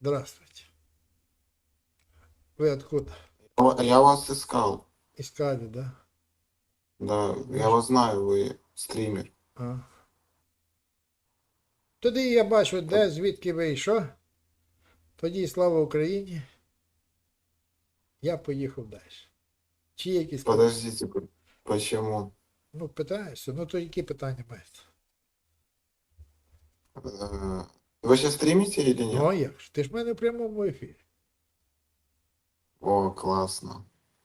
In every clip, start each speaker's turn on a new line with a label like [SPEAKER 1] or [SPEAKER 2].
[SPEAKER 1] Здравствуйте. Вы откуда?
[SPEAKER 2] Я вас искал.
[SPEAKER 1] Искали, да?
[SPEAKER 2] Да, я
[SPEAKER 1] Ваш-
[SPEAKER 2] вас знаю, вы стример.
[SPEAKER 1] А. Тоді я бачу, де, звідки ви і що. Тоді слава Україні. Я поїхав далі. Чи є якісь питання?
[SPEAKER 2] Подождите, почему?
[SPEAKER 1] Ну, питаюся. Ну, то які питання маєте?
[SPEAKER 2] Вы сейчас стримите или
[SPEAKER 1] Ну,
[SPEAKER 2] нет?
[SPEAKER 1] а як ж? Ти ж в мене в прямому ефірі.
[SPEAKER 2] О, классно.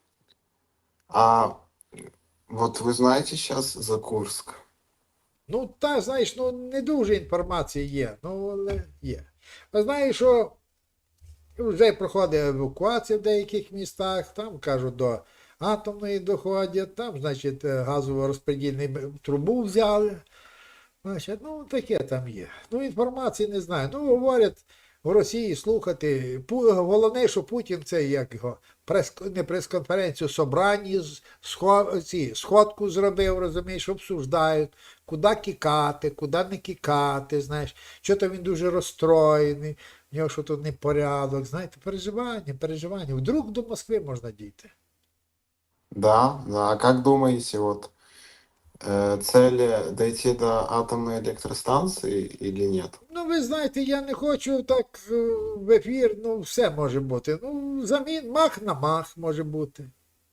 [SPEAKER 2] А вот вы знаете сейчас за Курск?
[SPEAKER 1] Ну, та, знаєш, ну не дуже інформації є, ну, але є. А знаєш, що вже проходить евакуація в деяких містах, там, кажуть, до атомної доходять, там, значить, газово-розподільну трубу взяли. Значить, ну, таке там є. Ну, інформації не знаю. Ну, говорять, в Росії слухати. Головне, що Путін це як його не прес-конференцію, собрання, сходку зробив, розумієш, обсуждають, куди кікати, куди не кікати, знаєш. Що то він дуже розстроєний, в нього що тут непорядок, знаєте, переживання. Вдруг до Москви можна дійти.
[SPEAKER 2] Да, да. А как думаете, вот цель дойти до атомной электростанции или нет?
[SPEAKER 1] Ну, ви знаєте, я не хочу так в ефір, ну, все може бути. Ну, мах на мах може бути.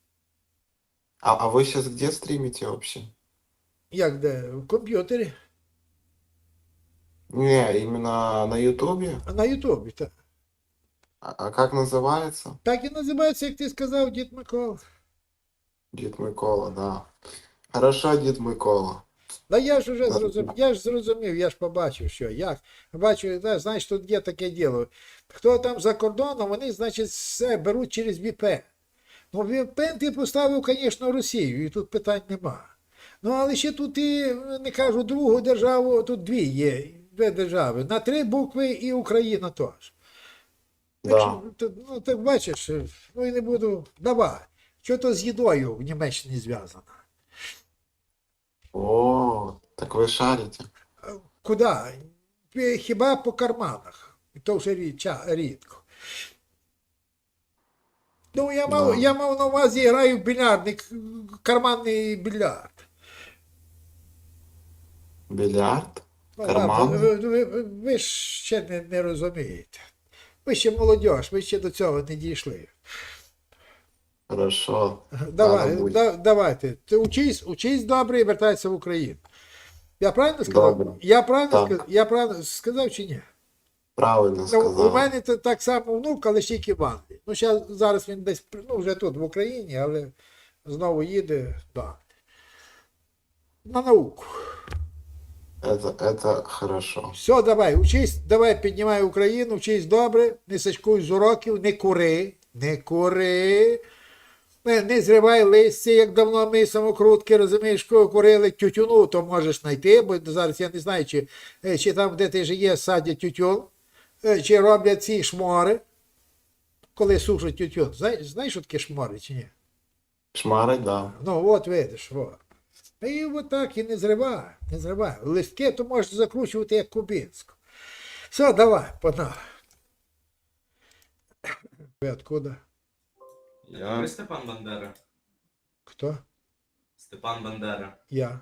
[SPEAKER 2] А вы сейчас где стримите вообще?
[SPEAKER 1] Як де? В комп'ютері,
[SPEAKER 2] Не, именно на Ютубе?
[SPEAKER 1] а на Ютубі, так.
[SPEAKER 2] А как называется?
[SPEAKER 1] Так і називається, як ти сказав, Дід Микола.
[SPEAKER 2] Дід Микола, да. Хорошо, Дід Микола.
[SPEAKER 1] Да я ж уже зрозумів, я ж побачив, що, як. Бачу, знаєш, тут є таке діло. Хто там за кордоном, вони, значить, все беруть через VPN. Ну, VPN ти поставив, звісно, Росію, і тут питань нема. Ну, але ще тут і, не кажу, другу державу, тут дві держави. На 3 букви і Україна теж.
[SPEAKER 2] Да.
[SPEAKER 1] Ну, так бачиш, ну і не буду. Давай. Що то з їдою в Німеччині зв'язано?
[SPEAKER 2] О, так вы шарите.
[SPEAKER 1] Куди? Хіба по карманах. І то вже рідко. Ну, я мав на увазі, граю в більярдний, карманний більярд.
[SPEAKER 2] Бильярд?
[SPEAKER 1] Ну,
[SPEAKER 2] Карман?
[SPEAKER 1] ви ж ще не розумієте. Ви ще молодь, ви ще до цього не дійшли.
[SPEAKER 2] Хорошо.
[SPEAKER 1] Давайте. Ти учись добре і вертайся в Україну. Я правильно сказав?
[SPEAKER 2] Добре.
[SPEAKER 1] Я правильно сказав чи ні?
[SPEAKER 2] Правильно
[SPEAKER 1] Ну, у
[SPEAKER 2] сказав.
[SPEAKER 1] мене так само внук, але ще тільки в Англії. Ну, зараз він десь, ну, вже тут, в Україні, але знову їде до Англії. На науку.
[SPEAKER 2] Это хорошо.
[SPEAKER 1] Все, давай, учись, давай, піднімай Україну, вчись добре, не сачкуй з уроків, не кури, не зривай листя, як давно ми самокрутки, розумієш, курили тютюну, то можеш знайти, бо зараз я не знаю, чи там, де ти живеш, садять тютюн, чи роблять ці шмори, коли сушать тютюн. Знаєш, що таке шмори, чи ні?
[SPEAKER 2] Шмари, да.
[SPEAKER 1] Ну, от видиш, от. І от так, і не зривай. Листки то можеш закручувати, як кубинську. Все, давай, погнали. Ви откуда?
[SPEAKER 3] Ви Степан Бандера?
[SPEAKER 1] Хто?
[SPEAKER 3] Степан Бандера.
[SPEAKER 1] Я.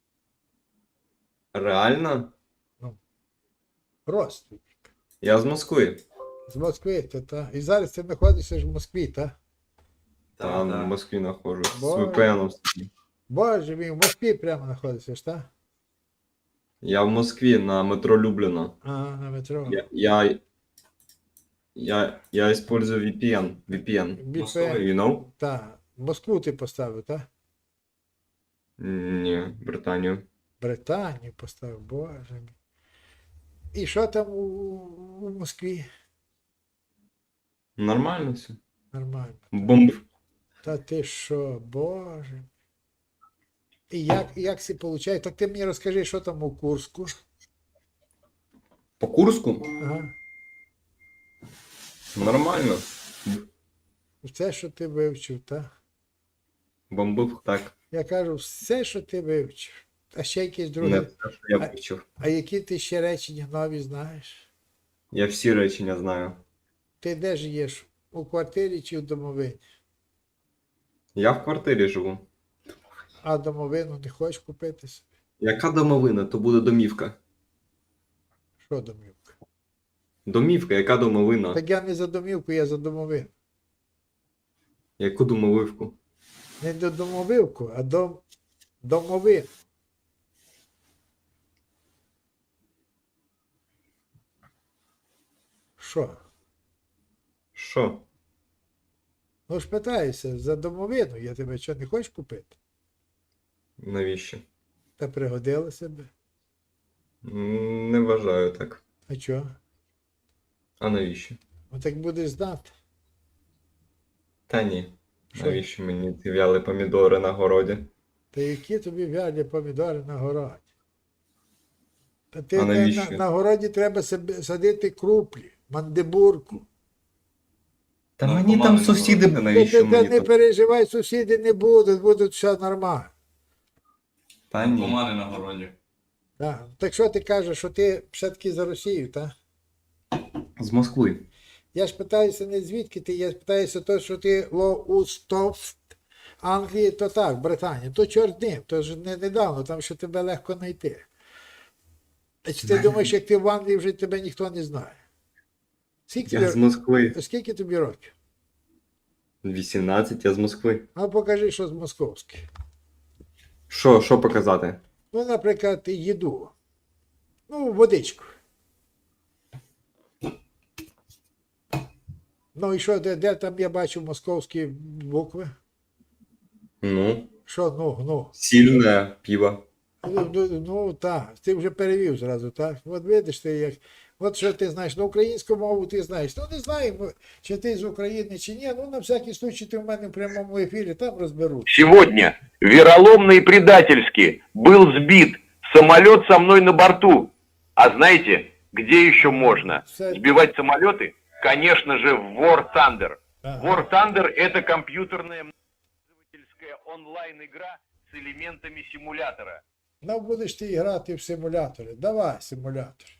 [SPEAKER 4] Реально?
[SPEAKER 1] Родственник.
[SPEAKER 4] Я з Москви.
[SPEAKER 1] З Москви, та. І зараз ти знаходишся ж в Москві, та?
[SPEAKER 4] Там в
[SPEAKER 3] Так.
[SPEAKER 4] Москві нахожусь. З
[SPEAKER 1] Боже.
[SPEAKER 4] VPN.
[SPEAKER 1] Боже мій, в Москві прямо знаходишся ж, та?
[SPEAKER 4] Я в Москві на метро Любліно.
[SPEAKER 1] Ага, на метро.
[SPEAKER 4] Я использую VPN.
[SPEAKER 1] VPN.
[SPEAKER 4] You know?
[SPEAKER 1] Та. Москву ти поставив, та?
[SPEAKER 4] Ні, Британію.
[SPEAKER 1] Британію поставив, боже мій. І що там у Москві?
[SPEAKER 4] Нормально все.
[SPEAKER 1] Нормально.
[SPEAKER 4] Бомб.
[SPEAKER 1] Та ти що, боже. І як це виходить? Так ти мені розкажи, що там у Курську.
[SPEAKER 4] По Курску?
[SPEAKER 1] Ага.
[SPEAKER 4] Нормально.
[SPEAKER 1] Все, що ти вивчив, так?
[SPEAKER 4] Бомбив так.
[SPEAKER 1] Я кажу, все, що ти вивчив. А ще якісь
[SPEAKER 4] Не
[SPEAKER 1] другі.
[SPEAKER 4] те, що я вивчив.
[SPEAKER 1] А які ти ще речення нові знаєш?
[SPEAKER 4] Я всі речення знаю.
[SPEAKER 1] Ти де живеш? У квартирі чи в домовині?
[SPEAKER 4] Я в квартирі живу.
[SPEAKER 1] А домовину не хочеш купити собі?
[SPEAKER 4] Яка домовина, то буде домівка.
[SPEAKER 1] Що домівка?
[SPEAKER 4] Домівка, яка домовина?
[SPEAKER 1] Так я не за домівку, я за домовину.
[SPEAKER 4] Яку домовивку?
[SPEAKER 1] Не до домовивку, а до домовин. Що?
[SPEAKER 4] Що?
[SPEAKER 1] Ну ж питаюся, за домовину я тебе що не хочеш купити?
[SPEAKER 4] Навіщо?
[SPEAKER 1] Та пригодилося би.
[SPEAKER 4] Не вважаю так.
[SPEAKER 1] А чого?
[SPEAKER 4] А навіщо?
[SPEAKER 1] Ну так будеш знати.
[SPEAKER 4] Та ні.
[SPEAKER 1] Що?
[SPEAKER 4] Навіщо мені ці в'яли помідори на городі?
[SPEAKER 1] Та які тобі вялі помідори на городі? Та ти
[SPEAKER 4] А
[SPEAKER 1] на,
[SPEAKER 4] навіщо?
[SPEAKER 1] на городі треба садити круплі, мандибурку.
[SPEAKER 4] Та
[SPEAKER 3] Ну,
[SPEAKER 4] мені там
[SPEAKER 3] помаленьку.
[SPEAKER 4] сусіди, навіщо
[SPEAKER 1] Та
[SPEAKER 4] мені
[SPEAKER 1] не
[SPEAKER 4] тут?
[SPEAKER 1] переживай, сусіди не будуть, будуть все нормально.
[SPEAKER 4] Та ні.
[SPEAKER 3] Помади на городі.
[SPEAKER 1] Так. Так що ти кажеш, що ти все-таки за Росію, так?
[SPEAKER 4] З Москви.
[SPEAKER 1] Я ж питаюся не звідки ти, я питаюся то, що ти Лоустофт, Англії, то так, Британія, то чорт ним, то ж не недавно, там що тебе легко знайти. А чи ти думаєш, як ти в Англії вже тебе ніхто не знає? Скільки
[SPEAKER 4] Я з Москви.
[SPEAKER 1] скільки тобі років?
[SPEAKER 4] 18, я з Москви.
[SPEAKER 1] А покажи, що з московських.
[SPEAKER 4] Що показати?
[SPEAKER 1] Ну, наприклад, їду. Ну, водичку. Ну і що, де там я бачу московські букви?
[SPEAKER 4] Ну,
[SPEAKER 1] Що, ну.
[SPEAKER 4] сильне пиво.
[SPEAKER 1] Ну, так, ти вже перевів зразу, так? От видиш ти як. От що ти знаєш, ну українську мову ти знаєш. Ну не знаємо, чи ти з України, чи ні. Ну на всякий случай ти в мене в прямому ефірі, там розберуть.
[SPEAKER 5] Сегодня вероломно и предательски был сбит самолет со мной на борту. А знаете, где еще можно сбивать самолеты? Конечно же, в War Thunder.
[SPEAKER 1] Ага.
[SPEAKER 5] War Thunder — это компьютерная пользовательская онлайн-игра с элементами симулятора.
[SPEAKER 1] Ну будеш ти грати в симулятори. Давай симулятор.